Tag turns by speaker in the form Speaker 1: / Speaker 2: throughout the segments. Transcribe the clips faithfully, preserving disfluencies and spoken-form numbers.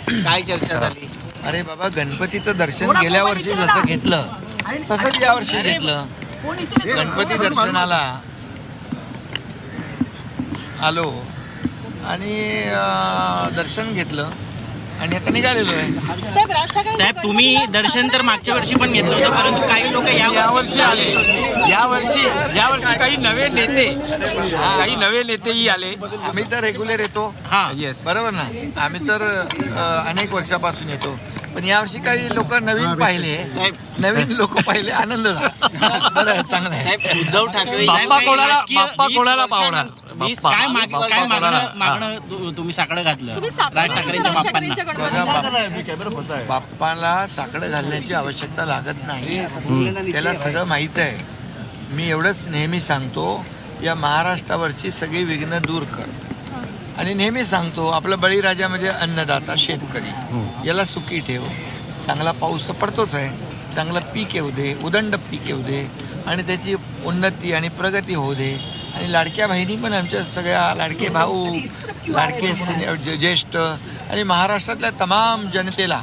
Speaker 1: काय चर्चा झाली?
Speaker 2: अरे बाबा, गणपतीचं दर्शन गेल्या वर्षी जसं घेतलं तसंच या वर्षी घेतलं. गणपती दर्शनाला आलो आणि दर्शन घेतलं आणि आता निघालेलो आहे.
Speaker 1: साहेब, तुम्ही दर्शन तर मागच्या वर्षी पण घेतलं होतं, परंतु काही लोक या वर्षी आले.
Speaker 3: या वर्षी या वर्षी काही नवे नेते काही नवे नेतेही आले.
Speaker 2: आम्ही तर रेग्युलर येतो.
Speaker 1: हा,
Speaker 3: येस,
Speaker 2: बरोबर ना. आम्ही तर अनेक वर्षापासून येतो, पण यावर्षी काही लोक नवीन पाहिले.
Speaker 1: साहेब,
Speaker 2: नवीन लोक पाहिले, आनंद झाला. बरं, चांगलं आहे.
Speaker 1: साहेब, उद्धव ठाकरे
Speaker 3: बाप्पा कोणाला बाप्पा कोणाला पावणार?
Speaker 1: वीस-
Speaker 3: बाप्पा
Speaker 1: काय माग-
Speaker 3: बाप्पा
Speaker 1: काय
Speaker 3: कोणाला?
Speaker 1: मागणं मागणं तु- तुम्ही साकडं घातलं राज ठाकरेंच्या बाप्पांना.
Speaker 2: बघा, बाप- बाप्पाला साकडं घालण्याची आवश्यकता लागत नाही. त्याला सगळं माहीत आहे. मी एवढंच नेहमी सांगतो, या महाराष्ट्रावरची सगळी विघ्न दूर कर. आणि नेहमी सांगतो, आपला बळीराजा म्हणजे अन्नदाता शेतकरी, याला सुखी ठेव. चांगला पाऊस तर पडतोच आहे, चांगलं पीक येऊ दे, उदंड पीक येऊ दे आणि त्याची उन्नती आणि प्रगती होऊ दे. आणि लाडक्या बहिणी पण आमच्या सगळ्या, लाडके भाऊ, लाडके सिने- ज्येष्ठ आणि महाराष्ट्रातल्या तमाम जनतेला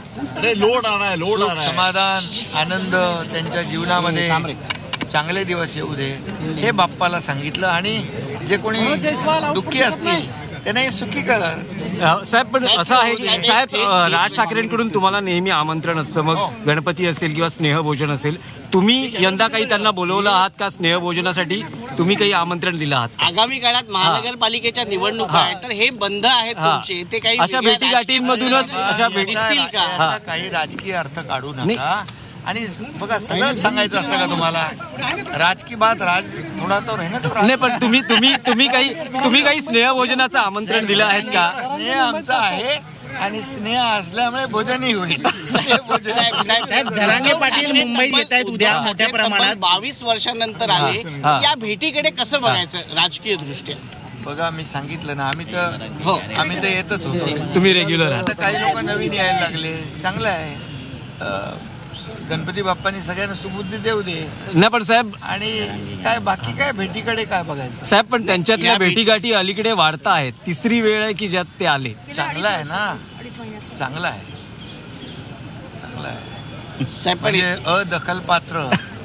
Speaker 2: सुख, समाधान, आनंद त्यांच्या जीवनामध्ये चांगले दिवस येऊ दे, हे बाप्पाला सांगितलं. आणि जे कोणी दुःखी असतील त्यांनाही सुखी कर.
Speaker 3: साहेब, पण असं आहे की साहेब, राज ठाकरेंकडून तुम्हाला नेहमी आमंत्रण असतं, मग गणपती असेल किंवा स्नेहभोजन असेल. तुम्ही यंदा काही त्यांना बोलवलं आहात का स्नेहभोजनासाठी? तुम्ही काही आमंत्रण दिलं आहात?
Speaker 1: आगामी काळात महानगरपालिकेच्या निवडणुका आहेत, तर हे बंद आहेत तुमचे, ते काही
Speaker 3: अशा
Speaker 1: वेगळ्या
Speaker 3: भेटीगाठींमधूनच अशा भेटी
Speaker 1: दिसतील का?
Speaker 2: याचा काही राजकीय अर्थ काढू नका. आणि बघा, सगळंच सांगायचं असतं का तुम्हाला? राजकीय बात राज थोडा तो आहे ना, तो
Speaker 3: नाही, पण तुम्ही तुम्ही तुम्ही काही तुम्ही काही स्नेहभोजनाचं आमंत्रण दिलं आहेत का?
Speaker 2: स्नेह आमचा आहे आणि स्नेह असल्यामुळे भोजनही होईल.
Speaker 1: साहेब, साहेब, साहेब, जरांगे पाटील मुंबईत येत आहेत उद्या मोठ्या प्रमाणात. बावीस वर्षांनंतर आले,
Speaker 3: हा.
Speaker 1: या भेटीकडे कसं बघायचं राजकीय दृष्ट्या?
Speaker 2: बघा, मी सांगितलं ना, आम्ही तर
Speaker 1: हो.
Speaker 2: आम्ही तर येतच होतो.
Speaker 3: तुम्ही रेग्युलर आहात.
Speaker 2: आता काही लोक नवीन यायला लागले, चांगलं आहे. अं, गणपती बाप्पानी सगळ्यांना सुबुद्धी देऊ दे.
Speaker 3: नाही, पण साहेब
Speaker 2: आणि काय बाकी काय भेटीकडे काय बघायचं?
Speaker 3: साहेब पण त्यांच्यातल्या
Speaker 1: या भेटी-
Speaker 3: भेटीगाठी अलीकडे वाढता आहेत. तिसरी वेळ आहे की ज्यात ते आले.
Speaker 2: चांगलं आहे ना, चांगलं आहे, चांगलं आहे.
Speaker 1: साहेब, पण
Speaker 2: म्हणजे अदखल पात्र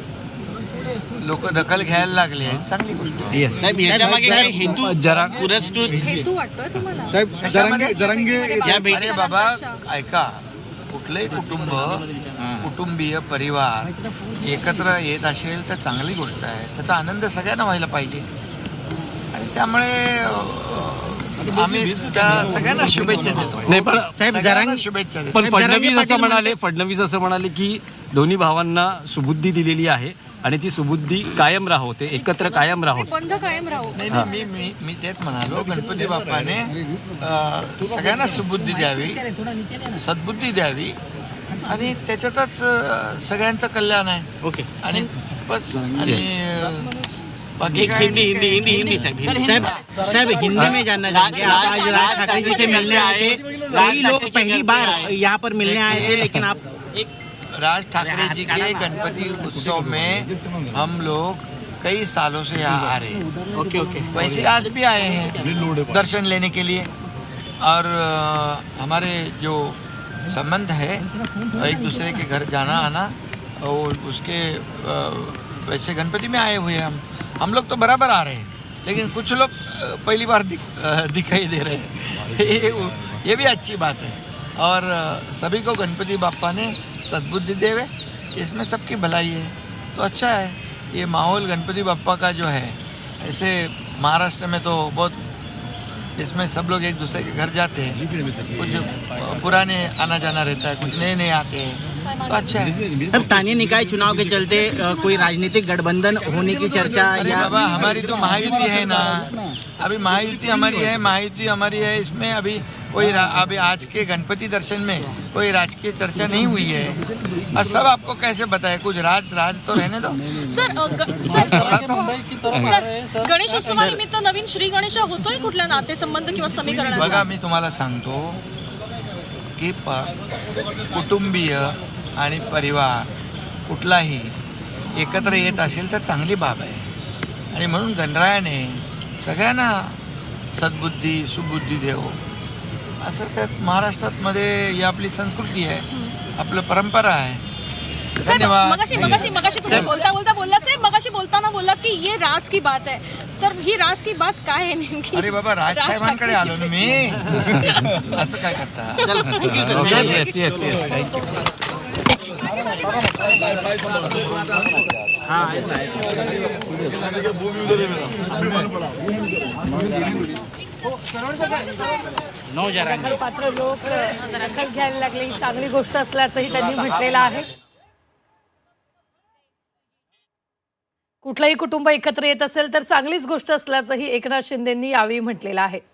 Speaker 2: लोक दखल घ्यायला लागले, चांगली गोष्ट आहे.
Speaker 3: येस,
Speaker 1: साहेब, याच्या मागे काही हेतू
Speaker 3: जरा
Speaker 1: पुरस्कृत
Speaker 4: हेतू वाटतोय तुम्हाला?
Speaker 2: कशामध्ये?
Speaker 1: या भेटी-
Speaker 2: अरे बाबा, ऐका, कुठलंही कुटुंब, कुटुंबीय परिवार एकत्र येत असेल तर चांगली गोष्ट आहे. त्याचा आनंद सगळ्यांना व्हायला पाहिजे. आणि त्यामुळे अं, आम्ही त्या सगळ्यांना शुभेच्छा देतो.
Speaker 3: नाही, पण
Speaker 1: साहेब,
Speaker 2: सगळ्यांना
Speaker 1: जरांगे
Speaker 2: शुभेच्छा देतो.
Speaker 3: पण
Speaker 1: साहेब, जरांगे
Speaker 3: फडणवीस असं
Speaker 1: पाटील
Speaker 3: म्हणाले फडणवीस असं म्हणाले की दोन्ही भावांना सुबुद्धी दिलेली आहे आणि ती सुबुद्धी कायम राहोते, एकत्र कायम राहोते.
Speaker 4: बंद कायम राहू.
Speaker 2: नाही नाही, मी मी मी तेच म्हणालो, गणपती बाप्पाने अं, सगळ्यांना सुबुद्धी द्यावी, सद्बुद्धी द्यावी आणि त्याच्यातच अं, सगळ्यांचं कल्याण आहे.
Speaker 1: ओके.
Speaker 2: आणि बस. आणि अं, बाकी
Speaker 1: एक
Speaker 2: काय
Speaker 1: हिंदी हिंदी हिंदी हिंदी साहब साहब साहब हिंदी में जानना चाहेंगे आप आज राज ठाकरे जी से मिलने आए थे, कई लोग पहली बार यहाँ पर मिलने आए थे, लेकिन आप एक
Speaker 2: राज ठाकरे जी के गणपति उत्सव में हम लोग कई सालों से यहाँ आ रहे हैं.
Speaker 1: ओके ओके
Speaker 2: वैसे आज भी आए हैं दर्शन लेने के लिए. और अ, हमारे जो संबंध है, एक दूसरे के घर जाना आना, और उसके अ, वैसे गणपति में आए हुए हैं हम हम लोग तो बराबर आ रहे हैं, लेकिन कुछ लोग अ, पहली बार दिख, अ, दिखाई दे रहे हैं. ये, ये भी अच्छी बात है. और अ, सभी को गणपति बाप्पा ने सद्बुद्धि देवे, इसमें सबकी भलाई है, तो अच्छा है. ये माहौल गणपति बाप्पा का जो है, ऐसे महाराष्ट्र में तो बहुत, इसमें सब लोग एक दूसरे के घर जाते हैं, कुछ पुराने आना जाना रहता है, कुछ नए नए आते हैं, तो अच्छा है.
Speaker 1: अब स्थानीय निकाय चुनाव के चलते अ, कोई राजनीतिक गठबंधन होने की चर्चा
Speaker 2: अरे
Speaker 1: या
Speaker 2: बाबा, हमारी तो महायुति है ना, अभी महायुति हमारी है, महायुति हमारी है. इसमें अभी कोई अभी आज के गणपति दर्शन में कोई राजकीय चर्चा नहीं हुई है. और सब आपको कैसे बताए, कुछ राज राज तो रहने दो.
Speaker 4: सर अ, ग- सर सर, गणेशोत्सवानिमित्त नवीन श्री गणेश होतोय कुठल्या नातेसंबंध किंवा समीकरणाचा?
Speaker 2: बघा, मी तुम्हाला सांगतो की प कुटुंबीय आणि परिवार कुठलाही एकत्र येत असेल तर चांगली बाब आहे. आणि म्हणून गणरायाने सगळ्यांना सद्बुद्धी सुबुद्धी देव असं त्यात महाराष्ट्रात मध्ये ही आपली संस्कृती आहे, आपलं परंपरा आहे.
Speaker 4: साहेब
Speaker 2: धन्यवाद.
Speaker 4: मगाशी मगाशी मगाशी तुम्ही बोलता बोलता बोलला साहेब मगाशी बोलताना बोलला की ये राज की बात है, तर ही राज की बात काय आहे नेमकी?
Speaker 2: अरे बाबा राजसाहेबांकडे आलो ना मी. असं काय करता?
Speaker 3: Yes yes yes thank you.
Speaker 1: नौ जरा
Speaker 5: पात्र लोक दखल घ्यायला लागले ही चांगली गोष्ट असल्याचंही त्यांनी म्हटलेलं आहे. कुठलंही कुटुंब एकत्र येत असेल तर चांगलीच गोष्ट असल्याचंही एकनाथ शिंदेंनी यावेळी म्हटलेलं आहे.